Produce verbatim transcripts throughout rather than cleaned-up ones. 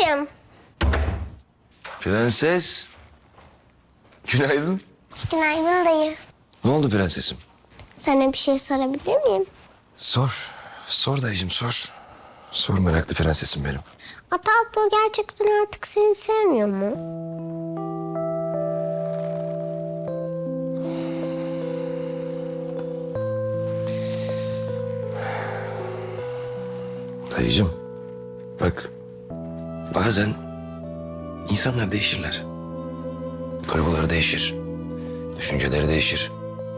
Babacığım. Prenses. Günaydın. Günaydın dayı. Ne oldu prensesim? Sana bir şey sorabilir miyim? Sor. Sor dayıcığım sor. Sor meraklı prensesim benim. Ata abla gerçekten artık seni sevmiyor mu? Dayıcığım bak bazen insanlar değişirler. Duyguları değişir. Düşünceleri değişir.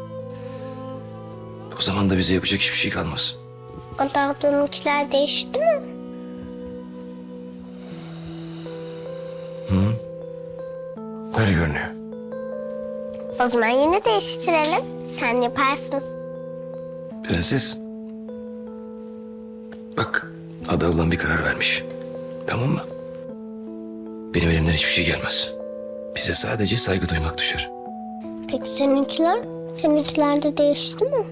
O zaman da bize yapacak hiçbir şey kalmaz. Ata ablanınkiler değişti mi? Öyle görünüyor. O zaman yine değiştirelim. Sen yaparsın. Prenses. Bak Ada ablam bir karar vermiş. Tamam mı? Benim elimden hiçbir şey gelmez. Bize sadece saygı duymak düşer. Peki seninkiler? Seninkiler de değişti mi?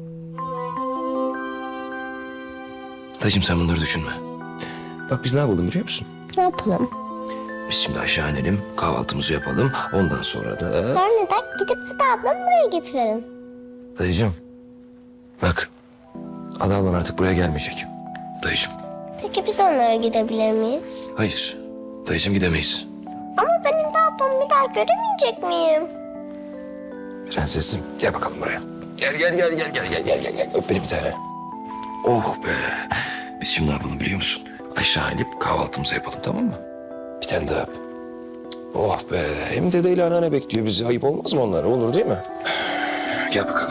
Dayıcığım sen bunları düşünme. Bak biz ne yapalım biliyor musun? Ne yapalım? Biz şimdi aşağı inelim, kahvaltımızı yapalım. Ondan sonra da... Sonra neden gidip Ata ablamı buraya getirelim? Dayıcığım, bak. Ada ablan artık buraya gelmeyecek. Dayıcığım, Peki biz onlara gidebilir miyiz? hayır. Dayıcığım gidemeyiz. Ama ben Ata ablamı bir daha göremeyecek miyim? Prensesim, gel bakalım buraya. Gel, gel, gel, gel, gel, gel, gel, gel, gel. Öp beni bir tane. Oh be. Biz şimdi ne yapalım biliyor musun? Aşağı inip kahvaltımızı yapalım, tamam mı? Bir tane daha öp. Oh be. Hem dedeyle anneanne bekliyor bizi. Ayıp olmaz mı onlara? Olur değil mi? Gel bakalım.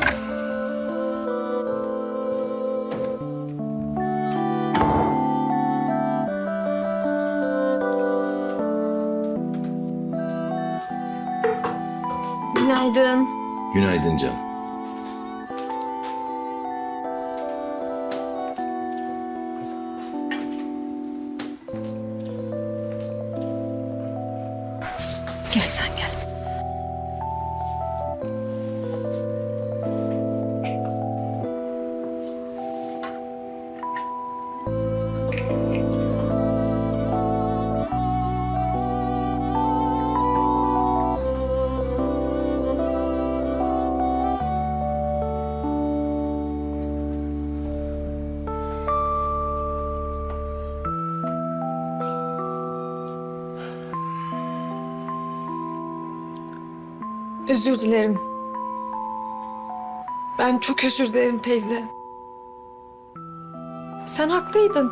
Günaydın. Günaydın canım. Gel sen gel. Özür dilerim. Ben çok özür dilerim teyze. Sen haklıydın.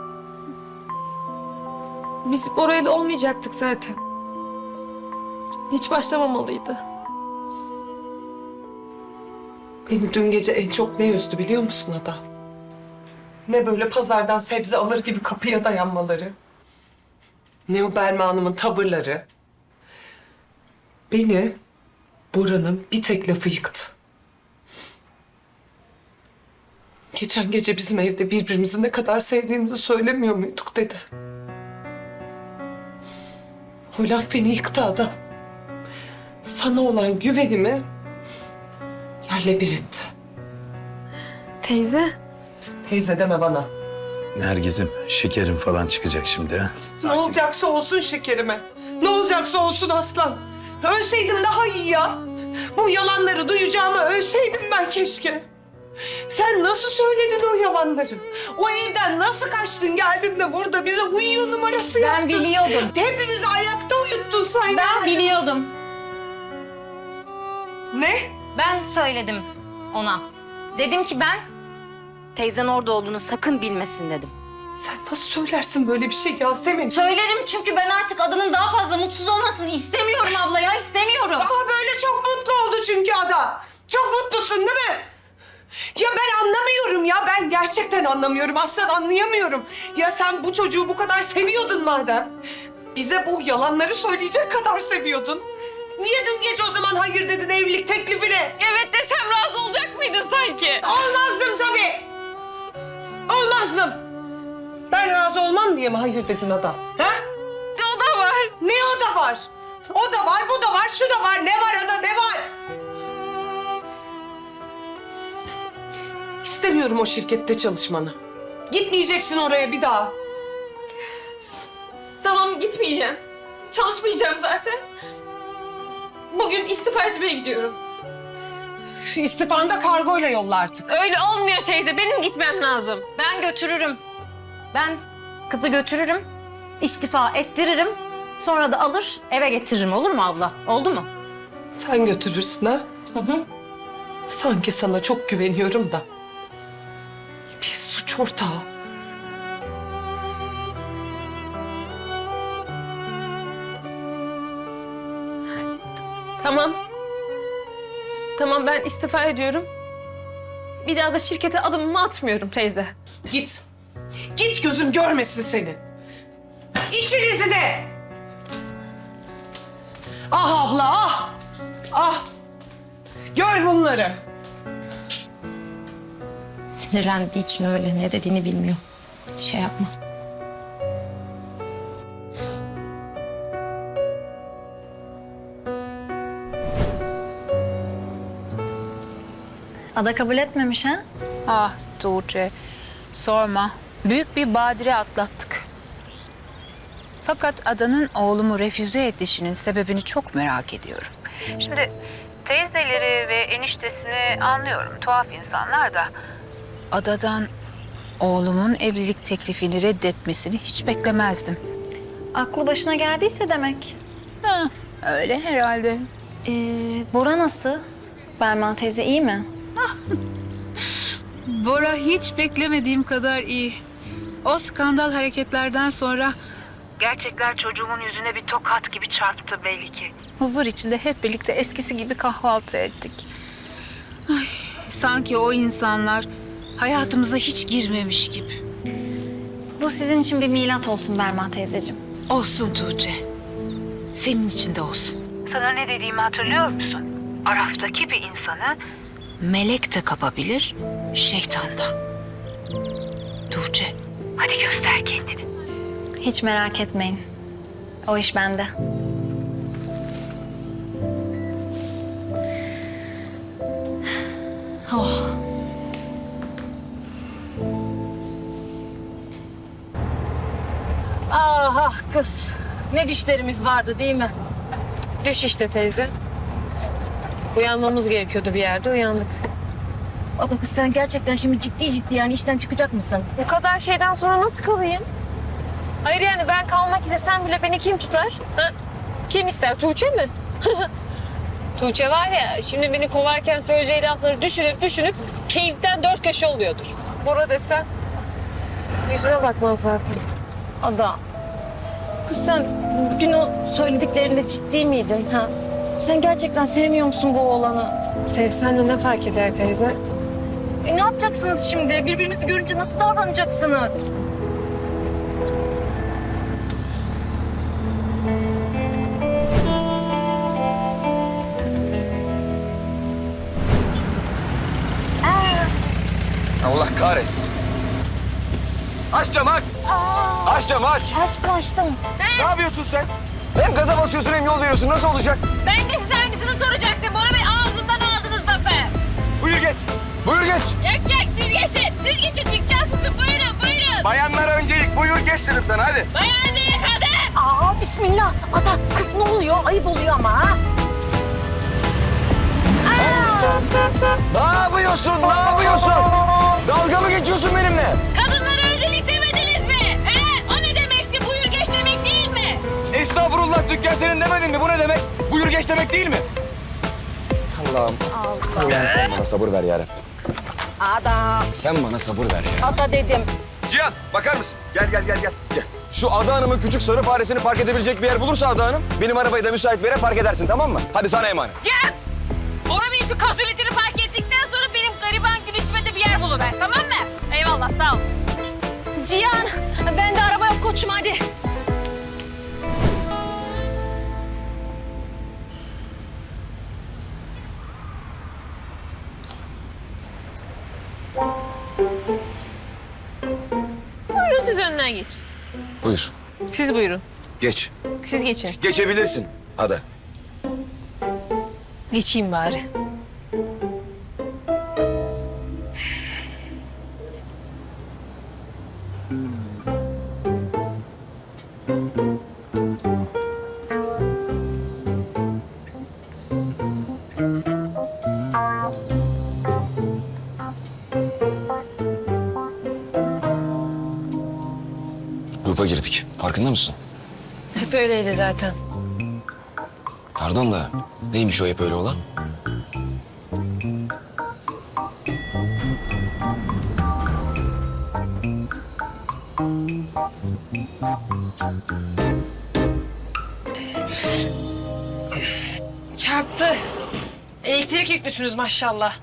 Biz oraya da olmayacaktık zaten. Hiç başlamamalıydı. Beni dün gece en çok ne üzdü biliyor musun Ada? Ne böyle pazardan sebze alır gibi kapıya dayanmaları. Ne o Belma Hanım'ın tavırları. Beni Bora'nın bir tek lafı yıktı. Geçen gece bizim evde birbirimizi ne kadar sevdiğimizi söylemiyor muyduk dedi. O laf beni yıktı Ada. Sana olan güvenimi yerle bir etti. Teyze. Teyze deme bana. Nergiz'im şekerim falan çıkacak şimdi ha. Ne olacaksa olsun şekerime. Ne olacaksa olsun aslan. Ölseydim daha iyi ya. Bu yalanları duyacağıma ölseydim ben keşke. Sen nasıl söyledin o yalanları? O evden nasıl kaçtın geldin de burada bize uyuyor numarası Ben yaptın? biliyordum. Hepimizi ayakta uyuttun sen. Ben biliyordum. Ne? Ben söyledim ona. Dedim ki ben teyzen orada olduğunu sakın bilmesin dedim. Sen nasıl söylersin böyle bir şey Yasemin? Söylerim çünkü ben artık adının daha fazla mutsuz olmasını istemiyorum abla ya, istemiyorum. Ama böyle çok mutlu oldu çünkü Ada. Çok mutlusun değil mi? Ya ben anlamıyorum ya. Ben gerçekten anlamıyorum. Aslan anlayamıyorum. Ya sen bu çocuğu bu kadar seviyordun madem. Bize bu yalanları söyleyecek kadar seviyordun. Niye dün gece o zaman hayır dedin evlilik teklifine? Evet desem razı olacak mıydın sanki? Olmazdım tabii. Olmazdım. Ben razı olmam diye mi hayır dedin Ada? Ha? O da var. Ne o da var? O da var, bu da var, şu da var. Ne var Ada, ne var? İstemiyorum o şirkette çalışmanı. Gitmeyeceksin oraya bir daha. Tamam gitmeyeceğim. Çalışmayacağım zaten. Bugün istifa etmeye gidiyorum. İstifanı da kargoyla yolla artık. Öyle olmuyor teyze. Benim gitmem lazım. Ben götürürüm. Ben kızı götürürüm. İstifa ettiririm. Sonra da alır eve getiririm, olur mu abla? Oldu mu? Sen götürürsün ha? Hı hı. Sanki sana çok güveniyorum da. Bir suç ortağı. Tamam. Tamam, ben istifa ediyorum. Bir daha da şirkete adımımı atmıyorum teyze. Git. Git, gözüm görmesin seni. İkinizi de. Ah abla ah. Ah. Gör bunları. Sinirlendiği için öyle, ne dediğini bilmiyor. Şey yapma. Ada kabul etmemiş ha? Ah Tuğçe, sorma. Büyük bir badire atlattık. Fakat Adan'ın oğlumu refüze edişinin sebebini çok merak ediyorum. Şimdi teyzeleri ve eniştesini anlıyorum, tuhaf insanlar da. Adadan oğlumun evlilik teklifini reddetmesini hiç beklemezdim. Aklı başına geldiyse demek. Ha, öyle herhalde. Ee, Bora nasıl? Berman teyze iyi mi? Bora hiç beklemediğim kadar iyi. O skandal hareketlerden sonra gerçekler çocuğumun yüzüne bir tokat gibi çarptı belli ki. Huzur içinde hep birlikte eskisi gibi kahvaltı ettik. Ay, sanki o insanlar hayatımıza hiç girmemiş gibi. Bu sizin için bir milat olsun Berman teyzeciğim. Olsun Tuğçe. Senin için de olsun. Sana ne dediğimi hatırlıyor musun? Araftaki bir insanı melek de kapabilir, şeytan da. Tuğçe, hadi göster kendini. Hiç merak etmeyin. O iş bende. Oh. Ah ah kız. Ne düşlerimiz vardı değil mi? Düş işte teyze. Uyanmamız gerekiyordu bir yerde, uyandık. Ada kız sen gerçekten şimdi ciddi ciddi yani işten çıkacak mısın? Bu kadar şeyden sonra nasıl kalayım? Hayır yani ben kalmak istesem bile beni kim tutar? Ha? Kim ister? Tuğçe mi? Tuğçe var ya, şimdi beni kovarken söyleyeceği lafları düşünüp düşünüp keyiften dört köşe oluyordur. Bora desen yüzüme bakmaz zaten. Ada. Kız sen bugün o söylediklerinde ciddi miydin ha? Sen gerçekten sevmiyor musun bu oğlanı? Sevsen de ne fark eder teyze? E ne yapacaksınız şimdi? Birbirinizi görünce nasıl davranacaksınız? Allah kahretsin. Aç camı aç. Aç camı aç. Açtım açtım. Ne yapıyorsun sen? Hem gaza basıyorsun hem yol veriyorsun. Nasıl olacak? Ben de size aynısını soracaktım. Bora Bey ağzından aldınız lafı. Buyur geç. Buyur geç. Yok yok siz geçin. Siz geçin dükkan sizin. Buyurun buyurun. Bayanlara öncelik. Buyur geç dedim sana hadi. Bayan değil kadın. Aa bismillah. Ada kız ne oluyor? Ayıp oluyor ama ha. Ne yapıyorsun? Ne yapıyorsun? Dalga mı geçiyorsun benimle? Kadınlara öncelik demediniz mi? He? O ne demekti? Buyur geç demek değil mi? Estağfurullah, dükkan senin demedin mi? Bu ne demek? Buyur geç demek değil mi? Allah'ım. Allah'ım sen bana sabır ver yarabbim. Ada. Sen bana sabır ver ya. Ada dedim. Cihan bakar mısın? Gel gel gel gel. gel. Şu Ada Hanım'ın küçük sarı faresini park edebilecek bir yer bulursa Ada Hanım, benim arabayı da müsait bir yere park edersin, tamam mı? Hadi sana emanet. Gel. Bora Bey şu kazuletini fark ettikten sonra benim gariban gülüşüme de bir yer buluver. Tamam mı? Eyvallah sağ ol. Cihan ben de araba yok koçum hadi. Buyurun siz önden geç. Buyur. Siz buyurun. Geç. Siz geçin. Geçebilirsin Ada. Geçeyim bari. Farkında mısın? Hep öyleydi zaten. Pardon da neymiş o hep öyle olan? Çarptı. Elektrik yüklüsünüz maşallah.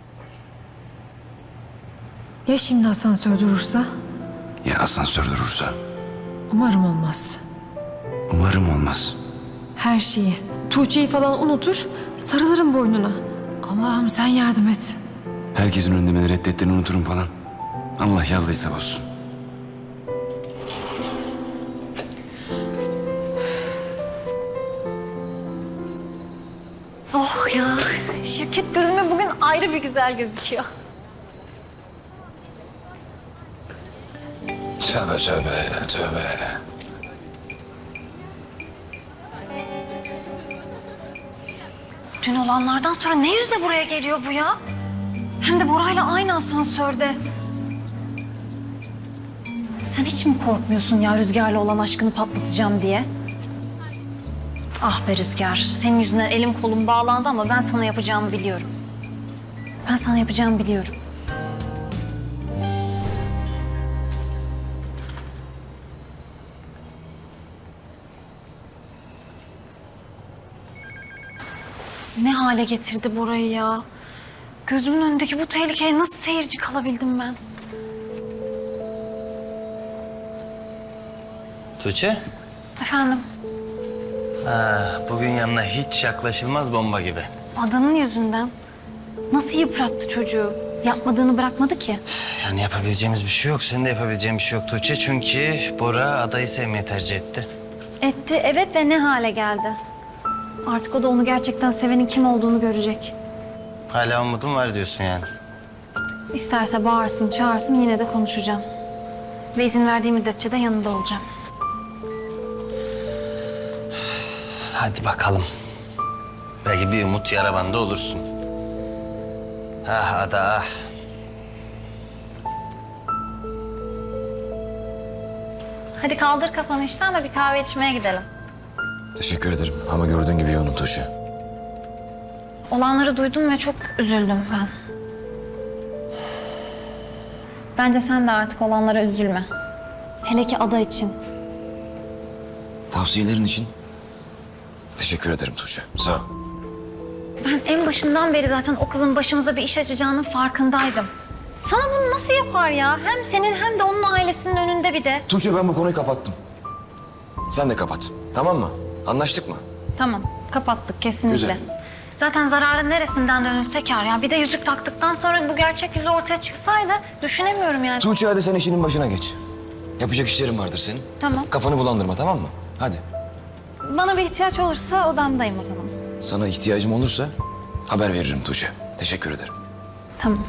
Ya şimdi asansör durursa? Ya asansör durursa? Umarım olmaz. Umarım olmaz. Her şeyi, Tuğçe'yi falan unutur, sarılırım boynuna. Allah'ım sen yardım et. Herkesin önünde beni reddettiğini unuturum falan. Allah yazdıysa olsun. Oh ya, şirket gözüme bugün ayrı bir güzel gözüküyor. Tövbe tövbe tövbe. Dün olanlardan sonra ne yüzle buraya geliyor bu ya? Hem de Bora'yla aynı asansörde. Sen hiç mi korkmuyorsun ya Rüzgar'la olan aşkını patlatacağım diye? Ah be Rüzgar, senin yüzünden elim kolum bağlandı ama ben sana yapacağımı biliyorum. Ben sana yapacağımı biliyorum. Ne hale getirdi Bora'yı ya? Gözümün önündeki bu tehlikeye nasıl seyirci kalabildim ben? Tuğçe, Efendim, ha, bugün yanına hiç yaklaşılmaz bomba gibi. adanın yüzünden nasıl yıprattı çocuğu? Yapmadığını bırakmadı ki. Yani yapabileceğimiz bir şey yok. Senin de yapabileceğin bir şey yok Tuğçe. Çünkü Bora adayı sevmeyi tercih etti. Etti, evet ve ne hale geldi? Artık o da onu gerçekten sevenin kim olduğunu görecek. Hala umudum var diyorsun yani. İsterse bağırsın, çağırsın yine de konuşacağım. Ve izin verdiği müddetçe de yanında olacağım. Hadi bakalım. Belki bir umut yara bandı olursun. Ah ada ah. Hadi kaldır kafanı işten de bir kahve içmeye gidelim. Teşekkür ederim ama gördüğün gibi yoğunum Tuğçe. Olanları duydum ve çok üzüldüm ben. Bence sen de artık olanlara üzülme. Hele ki ada için. Tavsiyelerin için teşekkür ederim Tuğçe. Sağ ol. Ben en başından beri zaten o kızın başımıza bir iş açacağının farkındaydım. Sana bunu nasıl yapar ya? Hem senin hem de onun ailesinin önünde bir de. Tuğçe ben bu konuyu kapattım. Sen de kapat. Tamam mı? Anlaştık mı? Tamam, kapattık kesinlikle. Güzel. Zaten zararın neresinden dönülse kâr ya. Bir de yüzük taktıktan sonra bu gerçek yüzü ortaya çıksaydı düşünemiyorum yani. Tuğçe hadi sen işinin başına geç. Yapacak işlerin vardır senin. Tamam. Kafanı bulandırma tamam mı? Hadi. Bana bir ihtiyaç olursa odamdayım o zaman. Sana ihtiyacım olursa haber veririm Tuğçe. Teşekkür ederim. Tamam.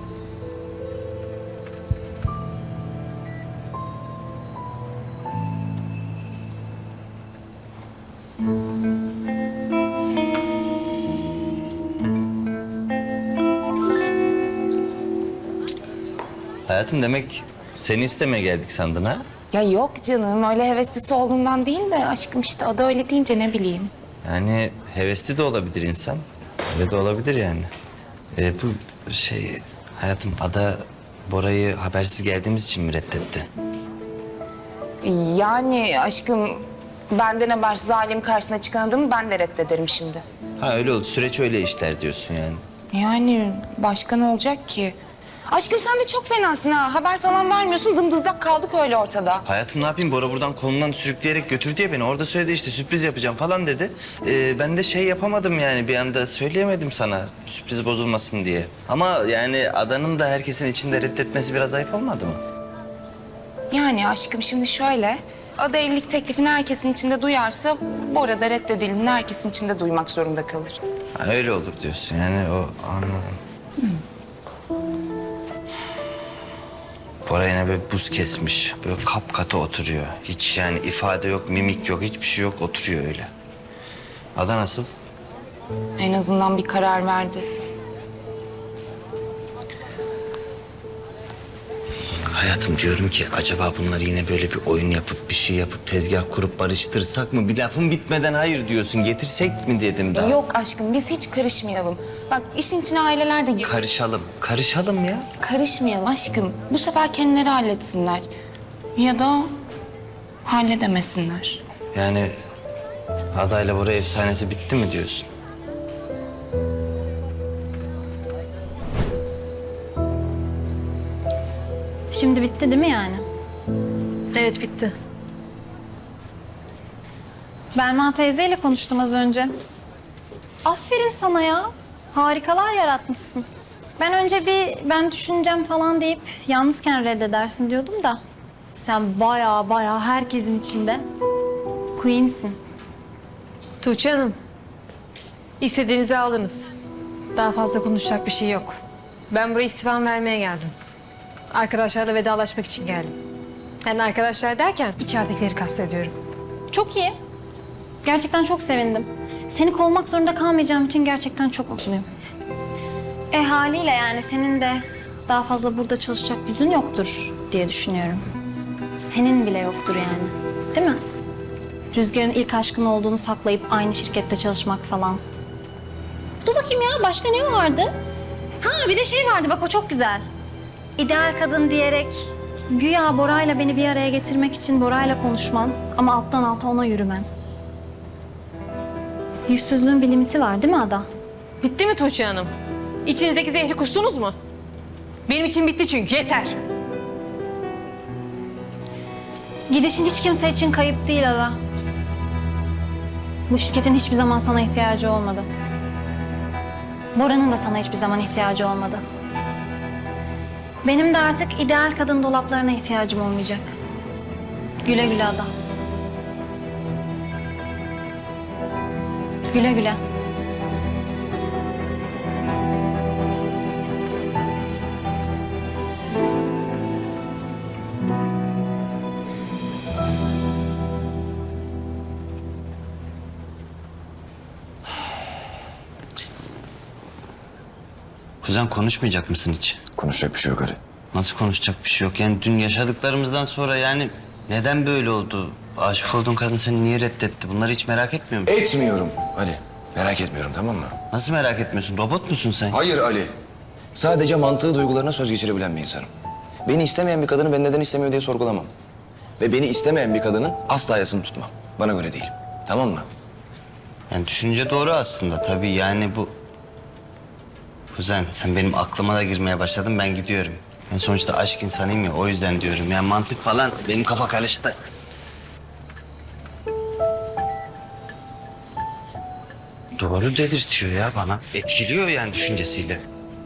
Hayatım demek seni istemeye geldik sandın ha? Ya yok canım öyle heveslisi olduğundan değil de aşkım işte ada öyle deyince ne bileyim. Yani hevesli de olabilir insan. Öyle de olabilir yani. Ee, bu şey hayatım ada Bora'yı habersiz geldiğimiz için mi reddetti? Yani aşkım benden habersiz ailem karşısına çıkan adamı ben de reddederim şimdi. Ha öyle oldu. Süreç öyle işler diyorsun yani. Yani başka ne olacak ki? Aşkım sen de çok fenasın ha. Haber falan vermiyorsun dımdızlak kaldık öyle ortada. Hayatım ne yapayım? Bora buradan kolundan sürükleyerek götürdü ya beni. Orada söyledi işte sürpriz yapacağım falan dedi. Ee, ben de şey yapamadım yani bir anda söyleyemedim sana sürpriz bozulmasın diye. Ama yani adanın da herkesin içinde reddetmesi biraz ayıp olmadı mı? Yani aşkım şimdi şöyle. Ada evlilik teklifini herkesin içinde duyarsa Bora da reddedildiğini herkesin içinde duymak zorunda kalır. Ha, öyle olur diyorsun yani o anladım. Bora yine böyle buz kesmiş. Böyle kapkata oturuyor. Hiç yani ifade yok, mimik yok, hiçbir şey yok. Oturuyor öyle. Ada nasıl? En azından bir karar verdi. Hayatım diyorum ki acaba bunlar yine böyle bir oyun yapıp bir şey yapıp tezgah kurup barıştırsak mı? Bir lafın bitmeden hayır diyorsun. Getirsek mi dedim daha. Yok aşkım biz hiç karışmayalım. Bak işin içine aileler de gir. Karışalım. Karışalım ya. Karışmayalım aşkım. Bu sefer kendileri halletsinler. Ya da halledemesinler. Yani adayla Bora efsanesi bitti mi diyorsun? Şimdi bitti değil mi yani? Evet bitti. Belma teyzeyle konuştum az önce. Aferin sana ya. Harikalar yaratmışsın. Ben önce bir ben düşüneceğim falan deyip yalnızken reddedersin diyordum da. Sen bayağı bayağı herkesin içinde queen'sin. Tuğçe Hanım, istediğinizi aldınız. Daha fazla konuşacak bir şey yok. Ben buraya istifam vermeye geldim. Arkadaşlarla vedalaşmak için geldim. Yani arkadaşlar derken içeridekileri kastediyorum. Çok iyi. Gerçekten çok sevindim. Seni kovmak zorunda kalmayacağım için gerçekten çok mutluyum. E haliyle yani senin de daha fazla burada çalışacak yüzün yoktur diye düşünüyorum. Senin bile yoktur yani. Değil mi? Rüzgar'ın ilk aşkın olduğunu saklayıp aynı şirkette çalışmak falan. Dur bakayım ya başka ne vardı? Ha bir de şey vardı bak o çok güzel. İdeal kadın diyerek güya Bora'yla beni bir araya getirmek için Bora'yla konuşman ama alttan alta ona yürümen. Yüzsüzlüğün bir limiti var değil mi Ada? Bitti mi Tuğçe Hanım? İçinizdeki zehri kustunuz mu? Benim için bitti çünkü yeter. Gidişin hiç kimse için kayıp değil Ada. Bu şirketin hiçbir zaman sana ihtiyacı olmadı. Bora'nın da sana hiçbir zaman ihtiyacı olmadı. Benim de artık ideal kadın dolaplarına ihtiyacım olmayacak. Güle güle Ada. Güle güle. Kuzen konuşmayacak mısın hiç? Konuşacak bir şey yok Ali. Nasıl konuşacak bir şey yok? Yani dün yaşadıklarımızdan sonra yani neden böyle oldu? Aşık olduğun kadın seni niye reddetti? Bunları hiç merak etmiyor musun? Etmiyorum Ali. Merak etmiyorum tamam mı? Nasıl merak etmiyorsun? Robot musun sen? Hayır Ali. Sadece mantığı duygularına söz geçirebilen bir insanım. Beni istemeyen bir kadını ben neden istemiyor diye sorgulamam. Ve beni istemeyen bir kadının asla yasını tutmam. Bana göre değil. Tamam mı? Yani düşünce doğru aslında tabii yani bu... Kuzen sen benim aklıma da girmeye başladın ben gidiyorum. Ben sonuçta aşk insanıyım ya o yüzden diyorum. Yani mantık falan benim kafa karıştı. Doğru dedirtiyor ya bana. Etkiliyor yani düşüncesiyle.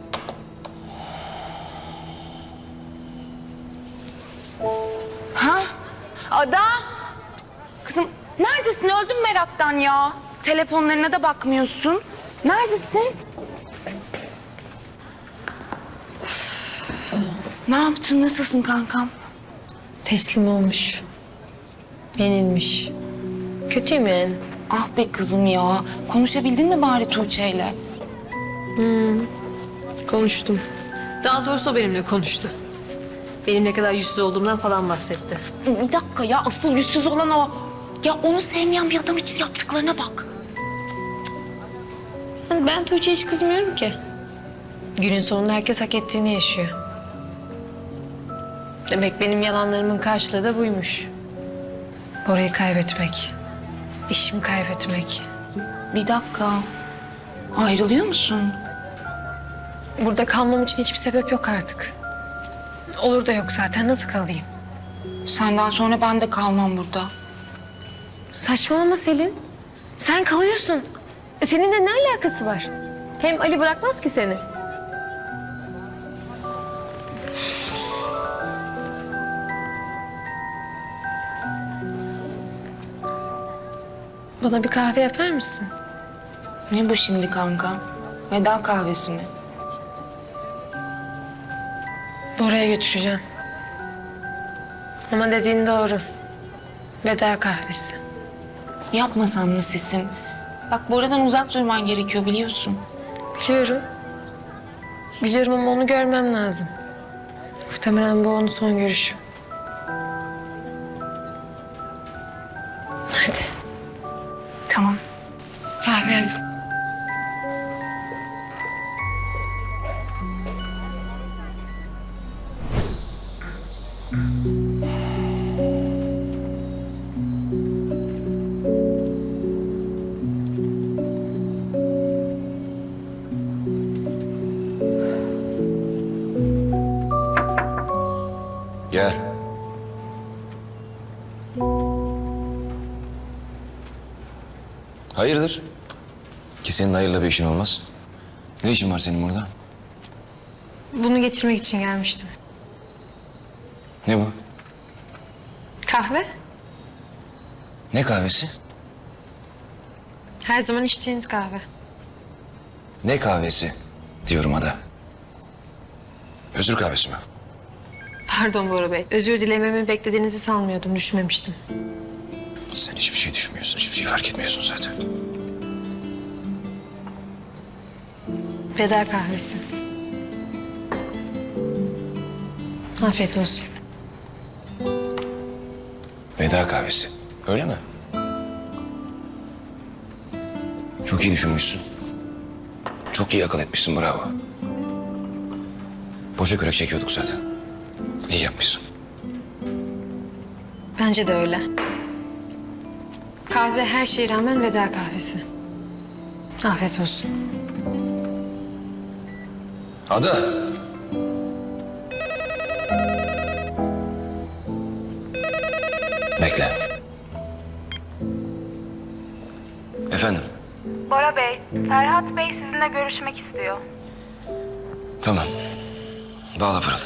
Ha? Ada? Kızım neredesin? Öldüm meraktan ya. Telefonlarına da bakmıyorsun. Neredesin? Ne yaptın? Nasılsın kankam? Teslim olmuş. Yenilmiş. Kötüyüm yani. Ah be kızım ya. Konuşabildin mi bari Tuğçe'yle? Konuştum. Daha doğrusu o benimle konuştu. Benim ne kadar yüzsüz olduğumdan falan bahsetti. Bir dakika ya. Asıl yüzsüz olan o. Ya onu sevmeyen bir adam için yaptıklarına bak. Yani ben Tuğçe'ye hiç kızmıyorum ki. Günün sonunda herkes hak ettiğini yaşıyor. Demek benim yalanlarımın karşılığı da buymuş. Bora'yı kaybetmek, işimi kaybetmek. Bir dakika. Ayrılıyor musun? Burada kalmam için hiçbir sebep yok artık. Olur da yok zaten, nasıl kalayım? Senden sonra ben de kalmam burada. Saçmalama Selin. Sen kalıyorsun. E, seninle ne alakası var? Hem Ali bırakmaz ki seni. Bana bir kahve yapar mısın? Ne bu şimdi kanka? Veda kahvesi mi? Bora'ya götüreceğim. Ama dediğin doğru. Veda kahvesi. Yapmasan mı sesim? Bak Bora'dan uzak durman gerekiyor biliyorsun. Biliyorum. Biliyorum ama onu görmem lazım. Muhtemelen bu onun son görüşü. Hadi. Tamam. Kahve. Gel. Hayırdır? Ki senin hayırla bir işin olmaz. Ne işin var senin burada? Bunu getirmek için gelmiştim. Ne bu? Kahve? Ne kahvesi? Her zaman içtiğiniz kahve. Ne kahvesi diyorum Ada. Özür kahvesi mi? Pardon Bora Bey. Özür dilememi beklediğinizi sanmıyordum. Düşünmemiştim. Sen hiçbir şey düşünmüyorsun, hiçbir şey fark etmiyorsun zaten. Veda kahvesi. Afiyet olsun. Veda kahvesi. Öyle mi? Çok iyi düşünmüşsün. Çok iyi akıl etmişsin, bravo. Boşa kürek çekiyorduk zaten. İyi yapmışsın. Bence de öyle. Kahve her şeye rağmen veda kahvesi. Afiyet olsun. Ada. Bekle. Efendim? Bora Bey, Ferhat Bey sizinle görüşmek istiyor. Tamam. Bağla Pırıl.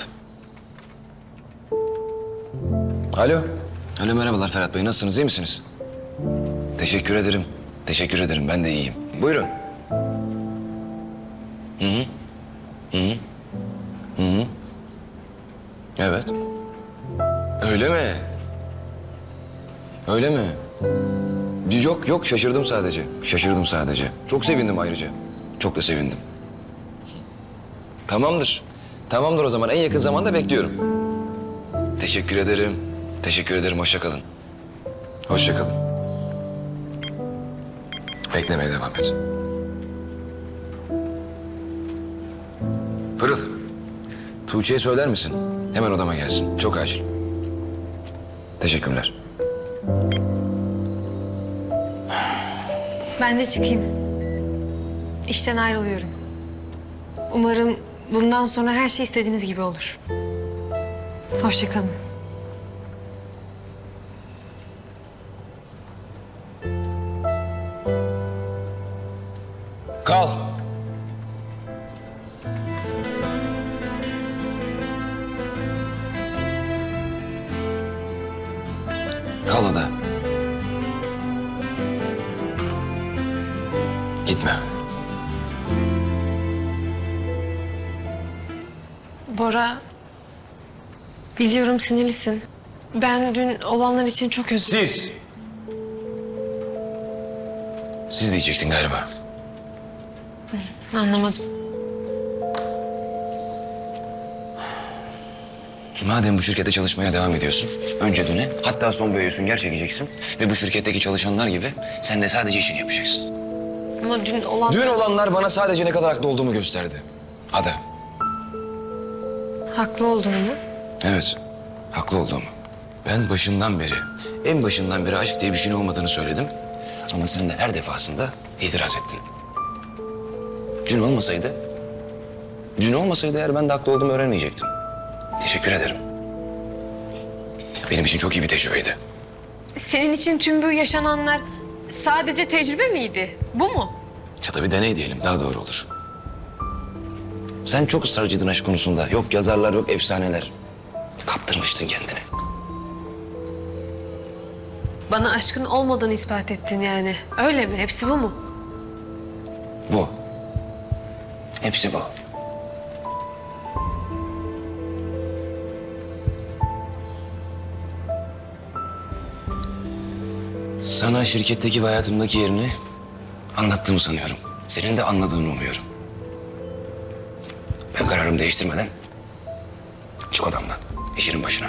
Alo. Alo, merhabalar Ferhat Bey. Nasılsınız, iyi misiniz? Teşekkür ederim. Teşekkür ederim. Ben de iyiyim. Buyurun. Hı hı. Hı hı. Hı hı. Evet. Öyle mi? Öyle mi? Yok yok, şaşırdım sadece. Şaşırdım sadece. Çok sevindim ayrıca. Çok da sevindim. Tamamdır. Tamamdır o zaman. En yakın zamanda bekliyorum. Teşekkür ederim. Teşekkür ederim. Hoşça kalın. Hoşça kalın. Beklemeye devam et. Pırıl. Tuğçe'ye söyler misin? Hemen odama gelsin. Çok acil. Teşekkürler. Ben de çıkayım. İşten ayrılıyorum. Umarım bundan sonra her şey istediğiniz gibi olur. Hoşça kalın. Kal. Kal Ada. Gitme. Bora, biliyorum sinirlisin. Ben dün olanlar için çok özür dilerim. Siz. Siz diyecektin galiba. Anlamadım. Madem bu şirkette çalışmaya devam ediyorsun, önce döne, hatta son boyaya sünger çekeceksin ve bu şirketteki çalışanlar gibi sen de sadece işini yapacaksın. Ama dün olan... Dün olanlar bana sadece ne kadar haklı olduğumu gösterdi. Ada. Haklı olduğunu mu? Evet, haklı olduğumu. Ben başından beri, en başından beri aşk diye bir şeyin olmadığını söyledim. Ama sen de her defasında itiraz ettin. Dün olmasaydı, dün olmasaydı eğer ben de haklı olduğumu öğrenmeyecektim. Teşekkür ederim. Benim için çok iyi bir tecrübeydi. Senin için tüm bu yaşananlar sadece tecrübe miydi? Bu mu? Ya da bir deney diyelim, daha doğru olur. Sen çok ısrarcıydın aşk konusunda. Yok yazarlar, yok efsaneler. Kaptırmıştın kendini. Bana aşkın olmadığını ispat ettin yani. Öyle mi? Hepsi bu mu? Bu. Hepsi bu. Sana şirketteki ve hayatımdaki yerini anlattığımı sanıyorum. Senin de anladığını umuyorum. Ben kararımı değiştirmeden Çık odamdan. İşinin başına.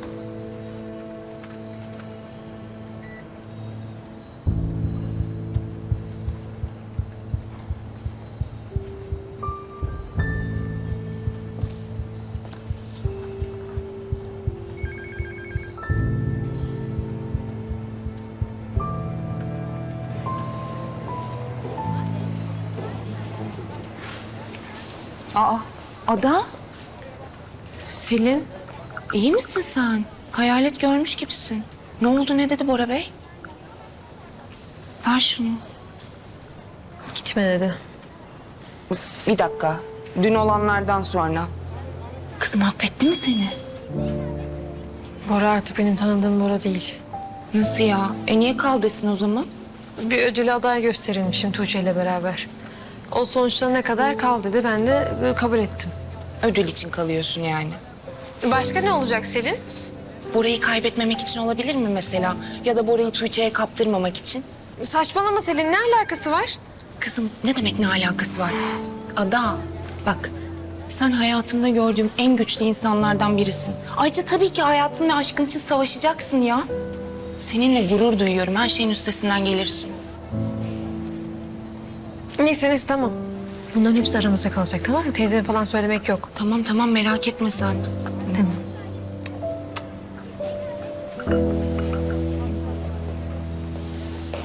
Aa, Ada, Selin, iyi misin sen? Hayalet görmüş gibisin. Ne oldu, ne dedi Bora Bey? Ver şunu. gitme dedi. Bir dakika, dün olanlardan sonra. Kızım affetti mi seni? Bora artık benim tanıdığım Bora değil. Nasıl ya? E niye kaldısın o zaman? Bir ödül aday gösterilmişim Tuğçe ile beraber. O sonuçta ne kadar kal dedi, ben de e, kabul ettim. Ödül için kalıyorsun yani. Başka ne olacak Selin? Bora'yı kaybetmemek için olabilir mi mesela? Ya da Bora'yı Tuğçe'ye kaptırmamak için? Saçmalama Selin, ne alakası var? Kızım ne demek ne alakası var? Ada bak sen hayatımda gördüğüm en güçlü insanlardan birisin. Ayrıca tabii ki hayatın ve aşkın için savaşacaksın ya. Seninle gurur duyuyorum. Her şeyin üstesinden gelirsin. Neyse neyse tamam. Bunların hepsi aramızda kalacak tamam mı? Teyzeme falan söylemek yok. Tamam tamam merak etme sen. Tamam.